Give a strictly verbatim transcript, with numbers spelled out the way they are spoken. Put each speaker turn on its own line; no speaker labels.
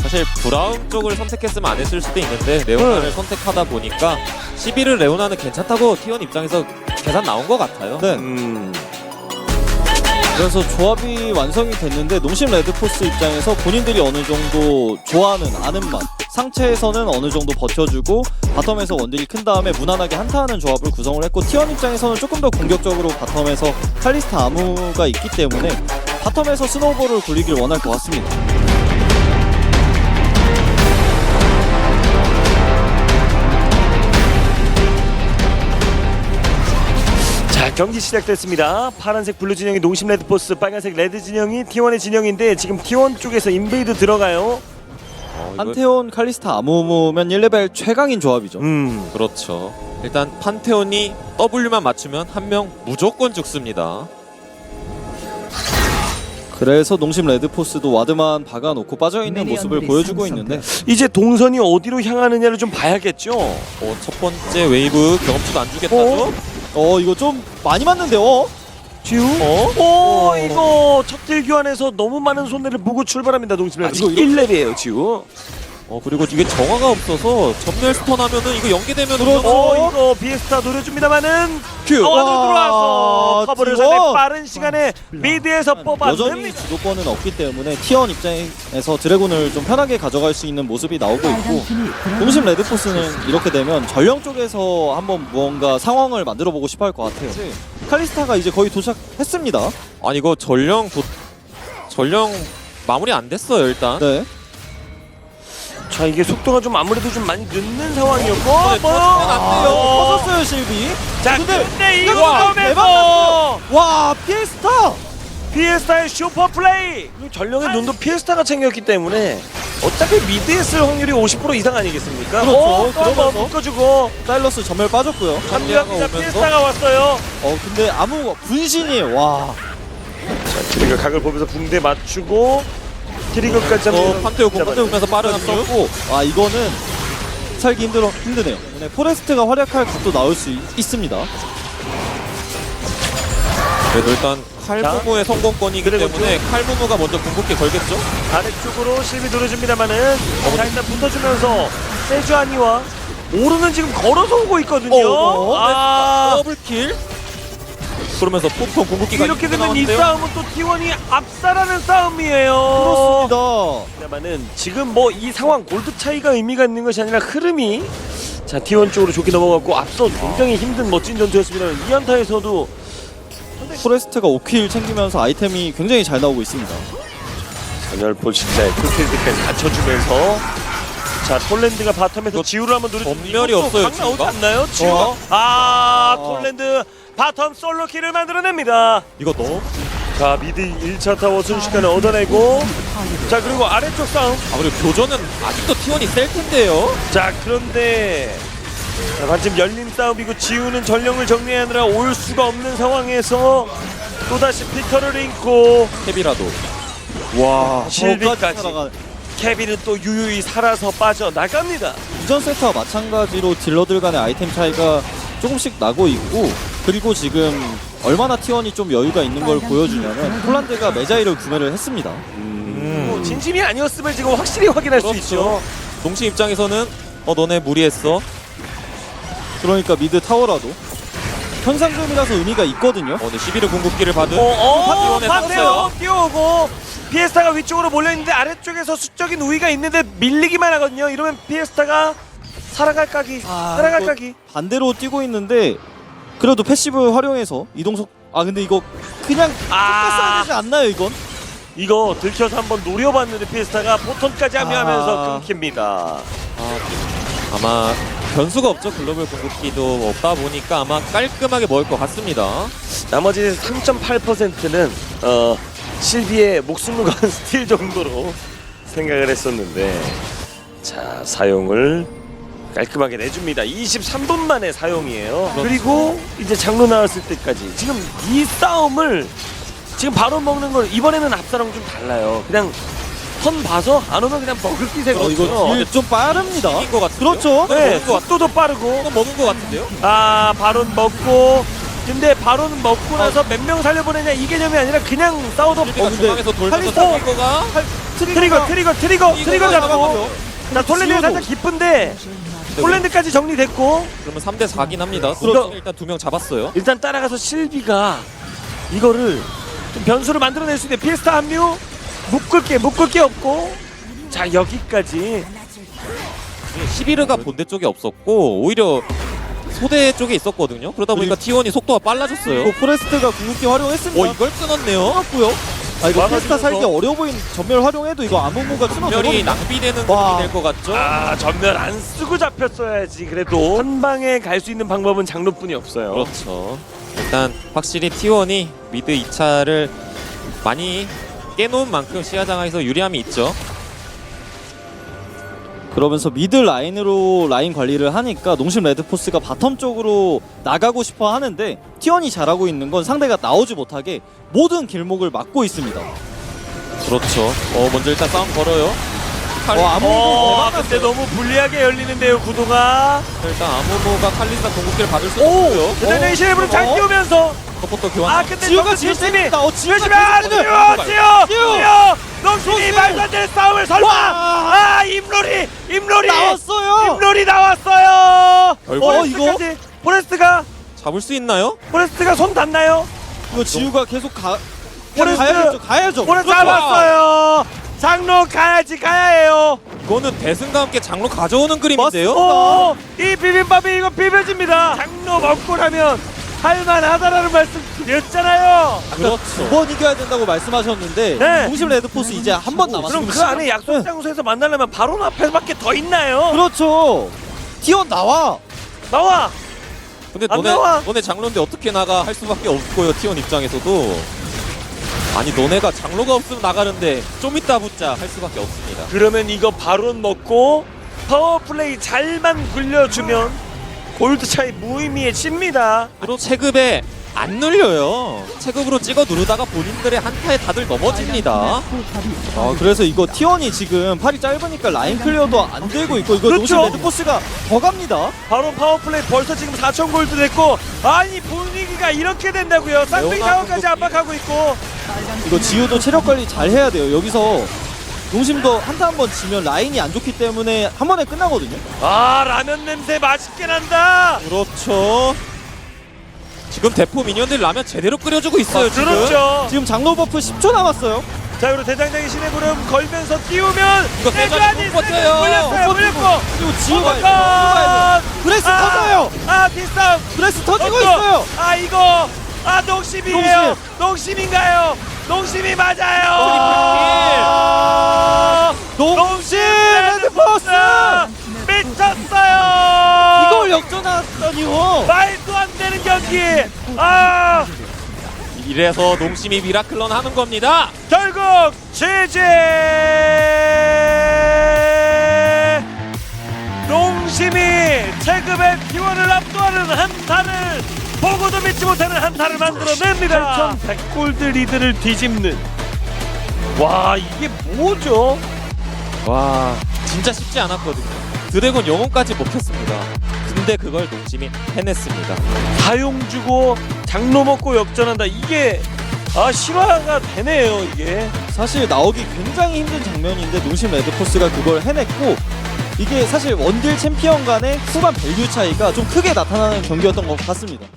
사실 브라운 쪽을 선택했으면 안 했을 수도 있는데 레오나를
네.
선택하다 보니까 십일을 레오나는 괜찮다고 티원 입장에서 계산 나온 것 같아요.
네.
음.
그래서 조합이 완성이 됐는데 농심 레드포스 입장에서 본인들이 어느 정도 좋아하는 아는 맛, 상체에서는 어느 정도 버텨주고 바텀에서 원딜이 큰 다음에 무난하게 한타하는 조합을 구성을 했고, 티원 입장에서는 조금 더 공격적으로 바텀에서 칼리스타 아무가 있기 때문에 바텀에서 스노우볼을 굴리길 원할 것 같습니다.
자, 경기 시작됐습니다. 파란색 블루 진영이 농심 레드포스, 빨간색 레드 진영이 티원의 진영인데 지금 티원 쪽에서 인베이드 들어가요.
어, 이거-
판테온 칼리스타 아무면 일 레벨 최강인 조합이죠.
음.
그렇죠. 일단 판테온이 W만 맞추면 한 명 무조건 죽습니다.
그래서 농심 레드포스도 와드만 박아놓고 빠져있는 모습을 보여주고 있는데,
이제 동선이 어디로 향하느냐를 좀 봐야겠죠.
어, 첫 번째 웨이브 경험치도 안 주겠다죠?
어?
어 이거 좀 많이 맞는데요? 어?
지우?
어?
오, 이거 첫딜 교환에서 너무 많은 손해를 보고 출발합니다. 농심 레드.
아, 이거
일 렙이에요, 지우.
어, 그리고 이게 정화가 없어서 전멸 스턴 하면은 이거 연계되면
그렇죠.
어, 이거 비에스타 노려줍니다만은
큐!
어, 안으로
와,
들어와서 커버를
지워!
상당히 빠른 시간에 미드에서
여전히
뽑아냅니다.
주도권은 없기 때문에 티원 입장에서 드래곤을 좀 편하게 가져갈 수 있는 모습이 나오고 있고, 농심 레드포스는 이렇게 되면 전령 쪽에서 한번 무언가 상황을 만들어 보고 싶어 할 것 같아요. 칼리스타가 이제 거의 도착했습니다.
아니 이거 전령 도... 전령 마무리 안 됐어요 일단.
네.
자, 이게 속도가 좀 아무래도 좀 많이 늦는 상황이었고
네,
뭐
터지면 안 돼요.
어.
터졌어요 실비.
자,
근데-
근데 이
와,
점에서
와 피에스타!
피에스타의 슈퍼 플레이. 전령의 눈도 피에스타가 챙겼기 때문에 어차피 미드에 쓸 확률이 오십 퍼센트 이상 아니겠습니까?
그렇죠.
어, 또 한번
그러면서
묶어주고
사일러스 전멸 빠졌고요.
합류합니다.
오면서.
피에스타가 왔어요.
어 근데 아무 분신이 와.
자, 트리거 각을 보면서 붕대 맞추고 트리거까지
어,
한번
판테온 공 판테온면서 빠른
아,
압류.
썼고, 아 이거는 살기 힘들어 힘드네요. 네, 포레스트가 활약할 각도 나올 수 있, 있습니다.
그래도 일단 칼부무의 성공권이기
그리고
때문에 칼부무가 먼저 궁극기 걸겠죠?
아래쪽으로 실비 노려줍니다만은 자, 일단 붙어주면서 세주아니와 오르는 지금 걸어서 오고 있거든요.
어, 어.
아,
더블킬? 그러면서 폭풍 궁극기가
이렇게 되면 이
나왔는데요?
싸움은 또 티원이 압살하는 싸움이에요.
그렇습니다.
합니다만은 지금 뭐 이 상황 골드 차이가 의미가 있는 것이 아니라 흐름이 자 티원 쪽으로 좋게 넘어갔고 앞서 굉장히 힘든 멋진 전투였습니다. 이 안타에서도
포레스트가 오 킬 챙기면서 아이템이 굉장히 잘 나오고 있습니다.
전열폴 진짜의 풀필드까지 갖춰주면서 자 톨랜드가 바텀에서 지우를 한번 누르
전멸이 없어요,
강 나오지
지우가?
않나요? 지우
어?
아
어.
톨랜드 바텀 솔로킬을 만들어냅니다.
이거 너무
자 미드 일 차 타워 순식간에 얻어내고 자 그리고 아래쪽 싸움
아 그리고 교전은 아직도 티원이 셀 텐데요?
자 그런데 자, 반쯤 열린 싸움이고 지우는 전령을 정리하느라 올 수가 없는 상황에서 또다시 피터를 잇고
캡이라도
와,
실비까지.
살아가.
케빈은 또 유유히 살아서 빠져나갑니다.
이전 세트와 마찬가지로 딜러들 간의 아이템 차이가 조금씩 나고 있고, 그리고 지금 얼마나 티원이 좀 여유가 있는 걸 보여주냐면 폴란드가 메자이를 구매를 했습니다.
뭐 진심이 아니었음을 지금 확실히 확인할 수 있죠.
동시 입장에서는 어 너네 무리했어.
그러니까 미드 타워라도 현상금이라서 의미가 있거든요.
어, 네, 십일의 궁극기를 받은
어, 어,
파티원에
파테오
섰어요.
뛰어오고 피에스타가 위쪽으로 몰려있는데 아래쪽에서 수적인 우위가 있는데 밀리기만 하거든요. 이러면 피에스타가 살아갈 각이 살아갈
이거
각이
반대로 뛰고 있는데 그래도 패시브 활용해서 이동속, 아 근데 이거 그냥
아.
아... 되지 않나요 이건?
이거 들켜서 한번 노려봤는데 피에스타가 포턴까지 합류하면서
아.
끊깁니다.
아, 아마 변수가 없죠. 글로벌 궁극기도 없다 보니까 아마 깔끔하게 먹을 것 같습니다.
나머지 삼 점 팔 퍼센트는 어, 실비의 목숨을 건 스틸 정도로 생각을 했었는데 자 사용을 깔끔하게 내줍니다. 이십삼 분 만에 사용이에요.
그렇죠.
그리고 이제 장로 나왔을 때까지 지금 이 싸움을 지금 바로 먹는 걸 이번에는 앞사랑 좀 달라요. 그냥 턴 봐서 안 오면 그냥 먹을 기세
어,
거든요.
이거 딜 좀 빠릅니다.
이긴 것 같은데요?
그렇죠.
네,
먹은 것 같-
속도도 빠르고
이거 먹은 것 같은데요?
아 바론 먹고 근데 바론 먹고 나서 몇 명 살려보내냐 이 개념이 아니라 그냥 싸워도
실비가
근데
중앙에서 돌면서
칼리스타-
잡힌 거가
트리거 트리거 트리거 트리거 잡고
잡아가죠.
자 톨랜드
지우도.
살짝 기쁜데 톨랜드까지 정리됐고
그러면 삼 대 사긴 합니다.
그렇죠.
일단 두 명 잡았어요.
일단 따라가서 실비가 이거를 좀 변수를 만들어낼 수 있는 피에스타 합류 묶을 게 묶을 게 없고 자 여기까지
시비르가 본대 쪽에 없었고 오히려 소대 쪽에 있었거든요. 그러다 보니까 티원이 속도가 빨라졌어요.
그 포레스트가 궁극기 활용했습니다.
어 이걸 끊었네요.
끊었고요. 아 이거
와가지고
피스타 살기 어려워 보인 전멸 활용해도 이거 아무무가
전멸이
끊어지거든요.
낭비되는
와.
그림이 될 것 같죠?
아 전멸 안 쓰고 잡혔어야지. 그래도 한 방에 갈 수 있는 방법은 장로뿐이 없어요.
그렇죠. 일단 확실히 티원이 미드 이 차를 많이 깨놓은 만큼 시야장에서 유리함이 있죠.
그러면서 미드 라인으로 라인 관리를 하니까 농심 레드포스가 바텀 쪽으로 나가고 싶어 하는데 티원이 잘하고 있는 건 상대가 나오지 못하게 모든 길목을 막고 있습니다.
그렇죠. 어 먼저 일단 싸움 걸어요. 칼,
어, 아무-
어,
대박
근데 너무 불리하게 열리는데요 구도가.
일단 아무모가 칼리스타 공격기를 받을 수
오,
없고요.
대단히 시레브를 잘
어?
띄우면서.
서포터 교환.
아 근데
지우가
너무
제일
열심히
세다. 어, 지우가
열심히
제일
아
세다.
지우 지우
지우!
지우 농심이
농심!
말도 안 되는 싸움을 설마.
와!
아 임롤이 임롤이
나왔어요.
임롤이 나왔어요.
아이고.
어, 이거?
포레스트까지. 포레스트가
잡을 수 있나요?
포레스트가 손 닿나요?
이거 지우가 계속 가
포레스트!
가야죠. 가야죠.
포레스트
그렇죠.
잡았어요. 장로 가야지 가야 해요.
이거는 대승과 함께 장로 가져오는 그림인데요.
오, 이 비빔밥이 이거 비벼집니다. 장로 먹고 나면 할만하다라는 말씀 드렸잖아요.
그렇죠.
두 번 이겨야 된다고 말씀하셨는데
네.
농심 레드포스 이제 한 번 남았어요.
그럼 그 안에 약속 장소에서 만나려면 바로 앞에밖에 더 있나요?
그렇죠. 티원 나와.
나와.
근데
안
너네
나와.
너네 장로인데 어떻게 나가 할 수밖에 없고요. 티원 입장에서도 아니 너네가 장로가 없으면 나가는데 좀 이따 붙자 할 수밖에 없습니다.
그러면 이거 바론 먹고 파워플레이 잘만 굴려주면 골드 차이 무의미해집니다.
그리고 체급에 안 눌려요. 체급으로 찍어 누르다가 본인들의 한타에 다들 넘어집니다.
아 그래서 이거 티원이 지금 팔이 짧으니까 라인 클리어도 안 되고 있고 이거
그렇죠.
농심 레드포스가 더 갑니다.
바론 파워플레이 벌써 지금 사천 골드 됐고 아니 분위기가 이렇게 된다고요. 쌍둥이
레오나
타워까지
공격기.
압박하고 있고
이거 지우도 체력 관리 잘 해야 돼요. 여기서 농심도 한타 한 번 지면 라인이 안 좋기 때문에 한 번에 끝나거든요.
아 라면 냄새 맛있게 난다.
그렇죠. 지금 대포 미니언들 라면 제대로 끓여주고 있어요. 지금.
그렇죠.
지금 장로 버프 십 초 남았어요.
자 그리고 대장장이 신의 구름 걸면서 띄우면
이거 세주안이 못 버텨요.
물렸어요
못
물렸고
그리고 지우가 이거 브레스
아,
터져요.
아 뒷싸움
브레스 터지고
어, 또.
있어요.
아 이거 아 농심이에요 농심인가요 농심이 맞아요
농심 레드포스
미쳤어요
이걸 역전하다니요.
말도 안 되는 경기 아
이래서 농심이 미라클런 하는 겁니다.
결국 제제 농심이 체급의 기원을 압도하는 한타를 보고도 믿지 못하는 한타를 만들어냅니다. 팔천백 골드 리드를 뒤집는 와 이게 뭐죠?
와 진짜 쉽지 않았거든요. 드래곤 영혼까지 먹혔습니다. 근데 그걸 농심이 해냈습니다.
사용 주고 장로 먹고 역전한다 이게 아 실화가 되네요 이게.
사실 나오기 굉장히 힘든 장면인데 농심 레드포스가 그걸 해냈고 이게 사실 원딜 챔피언 간의 후반 밸류 차이가 좀 크게 나타나는 경기였던 것 같습니다.